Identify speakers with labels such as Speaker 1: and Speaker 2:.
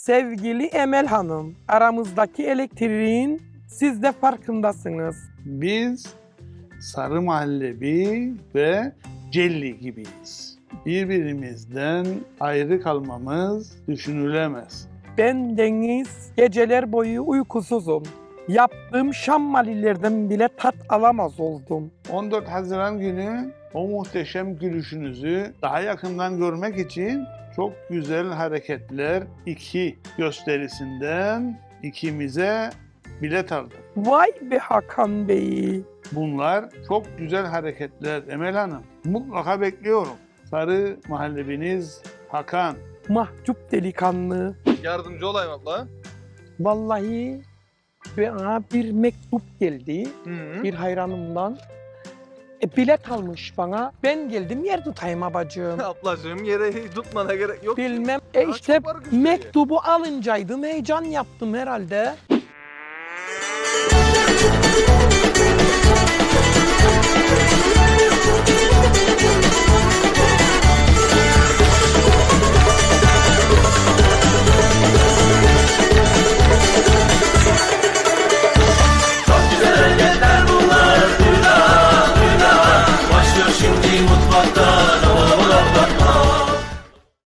Speaker 1: Sevgili Emel Hanım, aramızdaki elektriğin siz de farkındasınız.
Speaker 2: Biz sarı muhallebi ve jelly gibiyiz. Birbirimizden ayrı kalmamız düşünülemez.
Speaker 1: Ben Deniz, geceler boyu uykusuzum. Yaptığım şammalilerden bile tat alamaz oldum.
Speaker 2: 14 Haziran günü o muhteşem gülüşünüzü daha yakından görmek için çok güzel hareketler 2 gösterisinden ikimize bilet aldım.
Speaker 1: Vay be Hakan Bey.
Speaker 2: Bunlar çok güzel hareketler Emel Hanım. Mutlaka bekliyorum. Sarı muhallebiniz Hakan.
Speaker 1: Mahcup delikanlı.
Speaker 3: Yardımcı olayım abla.
Speaker 1: Vallahi bana bir mektup geldi
Speaker 3: Hı.
Speaker 1: bir hayranımdan. Bilet almış bana. Ben geldim yer tutayım abacığım.
Speaker 3: Ablacığım yere tutmana gerek yok.
Speaker 1: Bilmem.
Speaker 3: Daha
Speaker 1: İşte
Speaker 3: çok var gösteriyor.
Speaker 1: mektubu alıncaydım. Heyecan yaptım herhalde.